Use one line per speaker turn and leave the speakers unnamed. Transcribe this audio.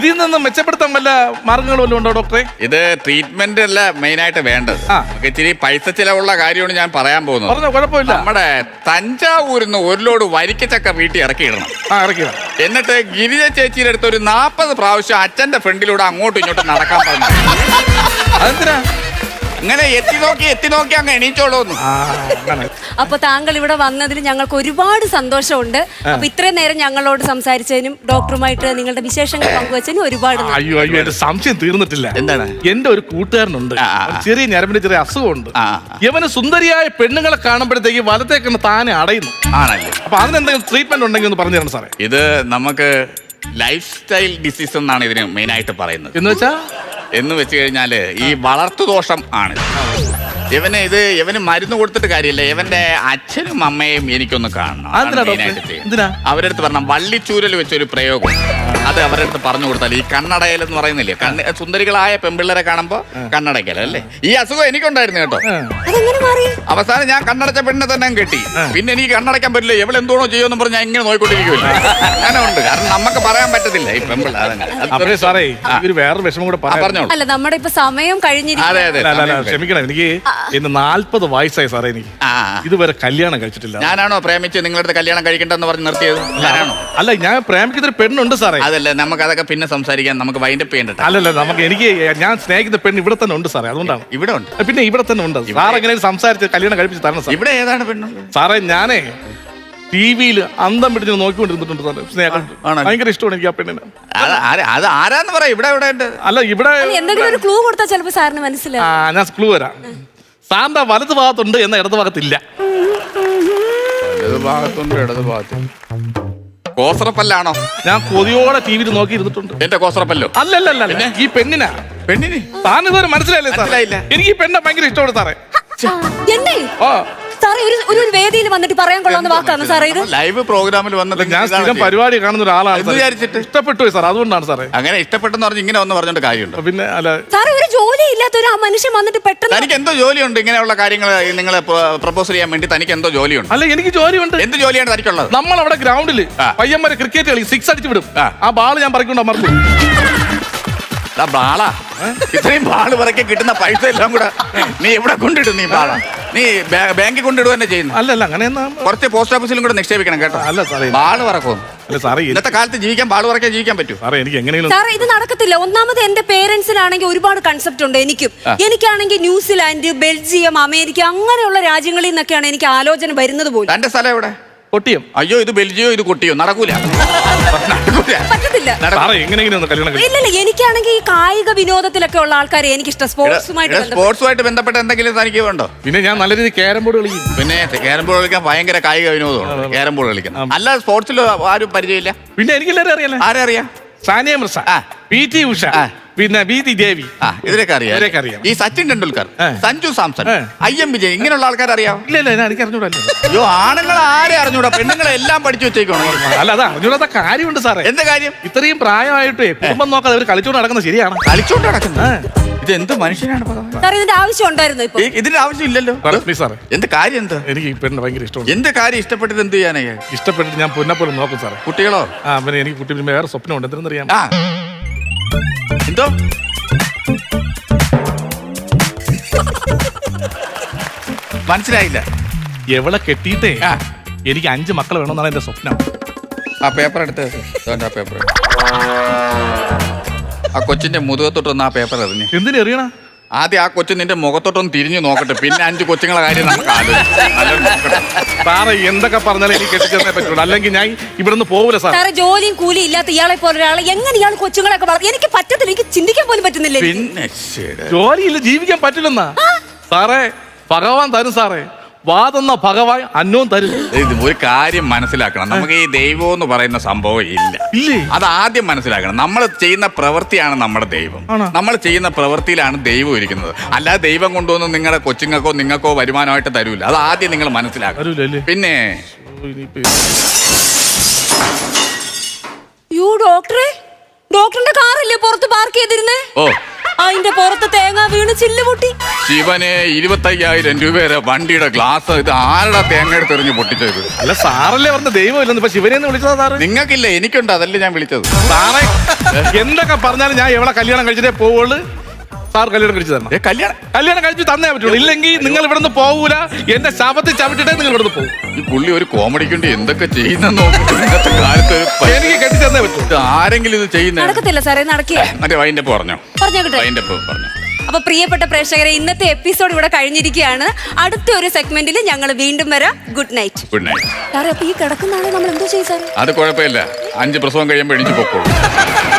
ഇതിൽ നിന്ന് മെച്ചപ്പെടുത്താൻ വല്ല മാർഗങ്ങളും വല്ലതും ഉണ്ടോ ഡോക്ടറെ?
ഇത് ട്രീറ്റ്മെന്റ് അല്ല മെയിൻ ആയിട്ട് വേണ്ടത്. നമുക്ക് ഇച്ചിരി പൈസ ചിലവുള്ള കാര്യമാണ് ഞാൻ പറയാൻ പോകുന്നത്.
പറഞ്ഞോ, കുഴപ്പമില്ല.
നമ്മുടെ തഞ്ചാവൂരിന്ന് ഒരു ലോഡ് വരിക്കച്ചക്ക വീട്ടിൽ ഇറക്കിയിടണം.
ഇറക്കിടാം. എന്നിട്ട്
ഗിരിജ ചേച്ചിയുടെ അടുത്ത് ഒരു 40 പ്രാവശ്യം അച്ഛന്റെ ഫ്രണ്ടിലൂടെ അങ്ങോട്ടും ഇങ്ങോട്ടും നടക്കാൻ പറഞ്ഞു.
അതെന്തിനാ?
അങ്ങനെ എത്തി നോക്കി അങ്ങ് എണീച്ചോളൂന്ന്.
അപ്പൊ താങ്കൾ ഇവിടെ വന്നതിൽ ഞങ്ങൾക്ക് ഒരുപാട് സന്തോഷമുണ്ട്. അപ്പൊ ഇത്രയും നേരം ഞങ്ങളോട് സംസാരിച്ചതിനും ഡോക്ടറുമായിട്ട് നിങ്ങളുടെ വിശേഷങ്ങൾ പങ്കുവച്ചതിനും ഒരുപാട്
അയ്യോ എന്റെ സംശയം തീർന്നിട്ടില്ല.
എന്താണ്?
എന്റെ ഒരു കൂട്ടുകാരനുണ്ട്, ചെറിയ ഞരമ്പിന്റെ ചെറിയ അസുഖമുണ്ട്. ഇവന് സുന്ദരിയായ പെണ്ണുങ്ങളെ കാണുമ്പോഴത്തേക്ക് വലത്തേക്ക് താനെ അടയുന്നു.
ആണല്ലേ?
അപ്പൊ അതിനെന്തെങ്കിലും ട്രീറ്റ്മെന്റ് ഉണ്ടെങ്കിൽ ഒന്ന് പറഞ്ഞു തരണം സാറേ.
ഇത് നമുക്ക് ലൈഫ് സ്റ്റൈൽ ഡിസീസ് എന്നാണ് ഇതിന് മെയിൻ ആയിട്ട് പറയുന്നത്. എന്ന് വെച്ച് കഴിഞ്ഞാല് ഈ വളർത്തു ദോഷം ആണ്. ഇവന് മരുന്ന് കൊടുത്തിട്ട് കാര്യമില്ല. ഇവന്റെ അച്ഛനും അമ്മയും എനിക്കൊന്ന് കാണണം. അവരുടെ അടുത്ത് പറഞ്ഞ വള്ളിച്ചൂരൽ വെച്ചൊരു പ്രയോഗം, അത് അവരുടെ അടുത്ത് പറഞ്ഞു കൊടുത്താൽ ഈ കണ്ണടയൽ എന്ന് പറയുന്നില്ലേ, സുന്ദരികളായ പെൺപിള്ളേരെ കാണുമ്പോ കണ്ണടയ്ക്കൽ അല്ലേ, ഈ അസുഖം എനിക്കുണ്ടായിരുന്നു കേട്ടോ. അവസാനം ഞാൻ കണ്ണടച്ച പെണ്ണിനെ തന്നെ കെട്ടി. പിന്നെ എനിക്ക് കണ്ണടയ്ക്കാൻ പറ്റില്ല, എവളെന്തോണോ ചെയ്യുമെന്ന് പറഞ്ഞ് ഞാൻ ഇങ്ങനെ നോക്കിക്കൊണ്ടിരിക്കുമല്ലോ. അങ്ങനെ ഉണ്ട്. കാരണം നമുക്ക് പറയാൻ പറ്റത്തില്ല ഈ പെൺപിള്ളേർ.
സാറേ വേറൊരു വിഷമം കൂടെ പറഞ്ഞോളൂ.
അല്ല, നമ്മുടെ ഇപ്പൊ സമയം കഴിഞ്ഞിരിക്കും.
ക്ഷമിക്കണം, എനിക്ക് ഇന്ന് 40 വയസ്സായി സാറേ. എനിക്ക് ഇതുവരെ കല്യാണം കഴിച്ചിട്ടില്ല.
ഞാനാണോ പ്രേമിച്ച് നിങ്ങളുടെ കല്യാണം കഴിക്കണ്ടെന്ന് പറഞ്ഞ് നിർത്തിയത്?
അല്ല, ഞാൻ പ്രേമിക്കുന്ന ഒരു പെണ്ണുണ്ട് സാറേ.
അതല്ലേ, നമുക്ക് അതൊക്കെ പിന്നെ സംസാരിക്കാൻ, നമുക്ക് വൈൻഡപ്പ് ചെയ്യണ്ട.
അല്ലല്ല, ഞാൻ സ്നേഹിക്കുന്ന പെണ്ണ് ഇവിടെ തന്നെ ഉണ്ട് സാറേ. അതുകൊണ്ടാണ്.
ഇവിടെ ഉണ്ട്?
പിന്നെ ഇവിടെ തന്നെ ഉണ്ട് സാർ. എങ്ങനെ സംസാരിച്ച് കല്യാണം കഴിപ്പിച്ച് തരണം സാർ.
ഇവിടെ ഏതാണ് പെണ്ണ്
സാറേ? ഞാനേ ടിവിയിൽ അന്തം പിടിച്ച് നോക്കിക്കൊണ്ടിരുന്നിട്ടുണ്ട് സാറേ. സ്നേഹം ഭയങ്കര ഇഷ്ടമാണ് എനിക്ക് ആ പെണ്ണിന്.
അത് ആരാന്ന് പറയാം? ഇവിടെ
അല്ല, ഇവിടെ
എന്തെങ്കിലും ഒരു ക്ലൂ കൊടുത്താൽ ചിലപ്പോൾ സാറിന് മനസ്സിലാവും.
ഞാൻ ക്ലൂ വരാം. സാറിന്റെ വലത് ഭാഗത്തുണ്ട്, എന്ന ഇടത് ഭാഗത്തില്ല.
വലത് ഭാഗത്തുണ്ട്, ഇടത് ഭാഗത്തുണ്ട്. കോസറപ്പല്ലാണോ?
ഞാൻ കൊതിയോടെ ടിവിയിൽ നോക്കി ഇരുന്നിട്ടുണ്ട്.
എന്റെ കോസറപ്പല്ലോ?
അല്ലല്ല, ഈ പെണ്ണിന് താൻ ഇതുവരെ മനസ്സിലായില്ലേ സാറേ? എനിക്ക് ഈ പെണ്ണെ ഭയങ്കര ഇഷ്ടമാണ് സാറേ.
സാറേ, ഒരു വേദിയിൽ വന്നിട്ട് പറയാൻ കൊള്ളാവുന്ന വാക്കാണ് സാറേ ഇത്.
ലൈവ് പ്രോഗ്രാമിൽ വന്നിട്ട്
ഞാൻ സ്ഥിരം പരിപാടി കാണുന്ന ഒരാളാണ്.
വിചാരിച്ചിട്ട്
ഇഷ്ടപ്പെട്ടു സാർ, അതുകൊണ്ടാണ് സാറേ.
അങ്ങനെ ഇഷ്ടപ്പെട്ടെന്ന് പറഞ്ഞ് ഇങ്ങനെ ഒന്ന് പറഞ്ഞോണ്ട് കാര്യമുണ്ട്? പിന്നെ അല്ല
സാറേ, ഒരു ജോലി ഇല്ലാത്ത ഒരു മനുഷ്യൻ വന്നിട്ട് പെട്ടെന്ന്
തനിക്ക് എന്തോ ജോലിയുണ്ട് ഇങ്ങനെയുള്ള കാര്യങ്ങൾ നിങ്ങളെ പ്രപ്പോസ് ചെയ്യാൻ വേണ്ടി? തനിക്ക് എന്തോ ജോലിയുണ്ട്?
അല്ല, എനിക്ക് ജോലിയുണ്ട്.
എന്ത് ജോലിയാണ് തനിക്കുള്ളത്?
നമ്മളവിടെ ഗ്രൗണ്ടിൽ പയ്യന്മാരെ ക്രിക്കറ്റ് കളി 6 അടിച്ചു വിടും. ആ ബാള് ഞാൻ പറിക്കൊണ്ട് അമർത്തും.
ബാളാ? ഇത്രയും ബാള് പറക്കി കിട്ടുന്ന പൈസ എല്ലാം കൂടെ നീ എവിടെ കൊണ്ടിടും? നീ ബാള നീ ബാങ്കിൽ കൊണ്ടിടുക തന്നെ ചെയ്യുന്നു?
അല്ലല്ല, അങ്ങനെ
കുറച്ച് പോസ്റ്റ് ഓഫീസിലും കൂടെ നിക്ഷേപിക്കണം കേട്ടോ.
അല്ല സാറേ,
ബാള് പറക്കും. ഇന്നത്തെ കാലത്ത് ജീവിക്കാൻ ബാള് പറക്കാൻ ജീവിക്കാൻ പറ്റൂ
സാറേ? എനിക്ക് എങ്ങനെയും
സാറേ, ഇത് നടക്കത്തില്ല. ഒന്നാമത് എന്റെ പേരൻസിനാണെങ്കിൽ ഒരുപാട് കൺസെപ്റ്റ് ഉണ്ട്. എനിക്കാണെങ്കിൽ ന്യൂസിലാൻഡ്, ബെൽജിയം, അമേരിക്ക അങ്ങനെയുള്ള രാജ്യങ്ങളിൽ നിന്നൊക്കെയാണ് എനിക്ക് ആലോചന വരുന്നത് പോലും.
തന്റെ സ്ഥലം എവിടെ?
കൊട്ടിയം.
അയ്യോ, ഇത് ബെൽജിയോ, ഇത് കൊട്ടിയോ? നടക്കൂല,
പറ്റത്തില്ല. ഇല്ലല്ല, എനിക്കാണെങ്കിൽ ഈ കായിക വിനോദത്തിലൊക്കെ ഉള്ള ആൾക്കാരെ എനിക്കിഷ്ടം.
സ്പോർട്സുമായിട്ട് ബന്ധപ്പെട്ട എന്തെങ്കിലും തനിക്ക് ഉണ്ടോ?
പിന്നെ ഞാൻ നല്ല രീതിയിൽ ക്യാരം ബോർഡ് കളിക്കും.
പിന്നെ ക്യാരം ബോർഡ് കളിക്കാൻ ഭയങ്കര കായിക വിനോദമാണ് ക്യാരം ബോർഡ് കളിക്കുന്നത്. അല്ല, സ്പോർട്സിൽ ആരും പരിചയമില്ല?
പിന്നെ എനിക്കെല്ലാവരും അറിയാലോ.
ആരെ അറിയാം?
സാനിയ മിർസ, PT ഉഷ, പിന്നെ VT ദേവി,
ഇതിനൊക്കെ അറിയാം. ഈ സച്ചിൻ ടെണ്ടുൽക്കർ, സഞ്ജു സാംസൺ, IM വിജയ്, ഇങ്ങനെയുള്ള ആൾക്കാർ അറിയാം?
ഇല്ല, എനിക്ക് അറിഞ്ഞൂടല്ലോ.
അയ്യോ, ആണുങ്ങൾ ആരെ അറിഞ്ഞൂടാ? പെണ്ണുങ്ങളെ എല്ലാം പഠിച്ചു വെച്ചേക്കണോ?
അല്ല, അത് അറിഞ്ഞൂടാത്ത കാര്യമുണ്ട് സാറേ.
എന്താ കാര്യം?
ഇത്രയും പ്രായമായിട്ട് കുടുംബം നോക്കാതെ അവർ കളിച്ചോണ്ട് നടക്കുന്നത് ശരിയാണ്?
കളിച്ചോണ്ട് നടക്കുന്നത് ഇത് എന്ത് മനുഷ്യനാണ്?
ഇതിന്റെ ആവശ്യം ഉണ്ടായിരുന്നു?
ഇതിന്റെ ആവശ്യം ഇല്ലല്ലോ. എന്ത് കാര്യം? എന്താ?
എനിക്ക് ഈ പെണ്ണ് ഭയങ്കര ഇഷ്ടമാണ്.
എന്ത് കാര്യം? ഇഷ്ടപ്പെട്ടിട്ട് എന്ത് ചെയ്യാനാ?
ഇഷ്ടപ്പെട്ടിട്ട് ഞാൻ പൊന്നപ്പോലും നോക്കും സാറേ.
കുട്ടികളോ?
പിന്നെ എനിക്ക് കുട്ടി വേറെ സ്വപ്നമുണ്ട്. എന്തെന്നറിയാം?
എന്തോ? മനസ്സിലായില്ല.
എവളെ കെട്ടിയിട്ടേ എനിക്ക് 5 മക്കൾ വേണമെന്നാണ് എന്റെ സ്വപ്നം.
ആ പേപ്പർ എടുത്ത് ആ പേപ്പർ ആ കൊച്ചിന്റെ മുതുകത്തോട്ടൊന്ന് ആ പേപ്പർ എറിഞ്ഞ്.
എന്തിനു എറിയണ?
ആദ്യം ആ കൊച്ചു നിന്റെ മുഖത്തോട്ടൊന്ന് തിരിഞ്ഞു നോക്കട്ടെ, പിന്നെ 5 കൊച്ചുങ്ങളെ കാര്യം നമുക്ക്
സാറേ എന്തൊക്കെ പറഞ്ഞാലും എനിക്ക് കെട്ടിച്ചേർന്നേ പറ്റുള്ളൂ, അല്ലെങ്കിൽ ഞാൻ ഇവിടുന്ന് പോകില്ല
സാറേ. ജോലിയും കൂലി ഇല്ലാത്ത ഇയാളെ പോലെ ഒരാളെ എങ്ങനെ ഇയാൾ കൊച്ചുങ്ങളൊക്കെ എനിക്ക് പറ്റത്തില്ല, എനിക്ക് ചിന്തിക്കാൻ പോലും പറ്റുന്നില്ല.
പിന്നെ
ജോലിയില്ല, ജീവിക്കാൻ പറ്റില്ലെന്നാ സാറേ. ഭഗവാൻ തരും സാറേ, വാതെന്ന ഭഗവാൻ അന്നവും തരും.
ഒരു കാര്യം മനസ്സിലാക്കണം, നമുക്ക് ഈ ദൈവം എന്ന് പറയുന്ന സംഭവം ഇല്ല. അത് ആദ്യം മനസ്സിലാക്കണം. നമ്മൾ ചെയ്യുന്ന പ്രവൃത്തിയാണ് നമ്മുടെ ദൈവം. നമ്മൾ ചെയ്യുന്ന പ്രവൃത്തിയിലാണ് ദൈവം ഇരിക്കുന്നത്. അല്ലാതെ ദൈവം കൊണ്ടുവന്ന് നിങ്ങളുടെ കൊച്ചുങ്ങൾക്കോ നിങ്ങൾക്കോ വരുമാനമായിട്ട് തരൂല. അത് ആദ്യം നിങ്ങൾ മനസ്സിലാക്കണം. പിന്നെ
ഡോക്ടറിന്റെ കാറില്ലേ പുറത്ത് പാർക്ക് ചെയ്തിരുന്നേ?
ഓ,
അതിന്റെ പുറത്ത് തേങ്ങ വീണ് ചില്ല് പൊട്ടി.
ശിവനെ 25,000 രൂപയുടെ വണ്ടിയുടെ ഗ്ലാസ് ഇത് ആരുടെ തേങ്ങ എടുത്തെറിഞ്ഞ് പൊട്ടിച്ചത്?
അല്ല സാറല്ലേ പറഞ്ഞ ദൈവം ഇല്ലെന്ന്. ഇപ്പൊ ശിവനെ വിളിച്ചതാ സാറ്?
നിങ്ങൾക്കില്ല, എനിക്കുണ്ട്, അതല്ലേ ഞാൻ വിളിച്ചത്.
സാറേ എന്തൊക്കെ പറഞ്ഞാലും ഞാൻ എവിടെ കല്യാണം കഴിച്ചിട്ടേ പോവുള്ളൂ. സാർ കല്യാണം കഴിച്ചു തരണം. കല്യാണം കഴിച്ചു തന്നേ പറ്റുള്ളൂ. ഇല്ലെങ്കിൽ നിങ്ങൾ ഇവിടെ നിന്ന് പോകൂല. എന്റെ ശാപത്തിൽ ചവിട്ടിട്ടേ നിങ്ങൾ ഇവിടെ നിന്ന് പോകും.
ഈ പുള്ളി ഒരു കോമഡിക്ക് വേണ്ടി എന്തൊക്കെ ചെയ്യുന്ന ഇന്നത്തെ കാലത്ത്
എനിക്ക് കെട്ടി തന്നേ പറ്റൂ.
ആരെങ്കിലും ഇത് ചെയ്യുന്ന
നടക്കത്തില്ല സാറേ, നടക്കില്ല.
മറ്റേ വൈൻ്റെ പറഞ്ഞോ, വൈൻ്റെ പറഞ്ഞു.
അപ്പൊ പ്രിയപ്പെട്ട പ്രേക്ഷകരെ, ഇന്നത്തെ എപ്പിസോഡ് ഇവിടെ കഴിഞ്ഞിരിക്കുകയാണ്. അടുത്ത ഒരു സെഗ്മെന്റിൽ ഞങ്ങൾ വീണ്ടും വരാം. Good night.
Good night.
സാറേ, അപ്പൊ ഈ കിടക്കുന്ന ആളെ നമ്മൾ എന്തോ ചെയ്യും സാറേ?
അത് കുഴപ്പമില്ല, 5 പ്രസവം കഴിയുമ്പോൾ എണീച്ച് പൊക്കോളൂ.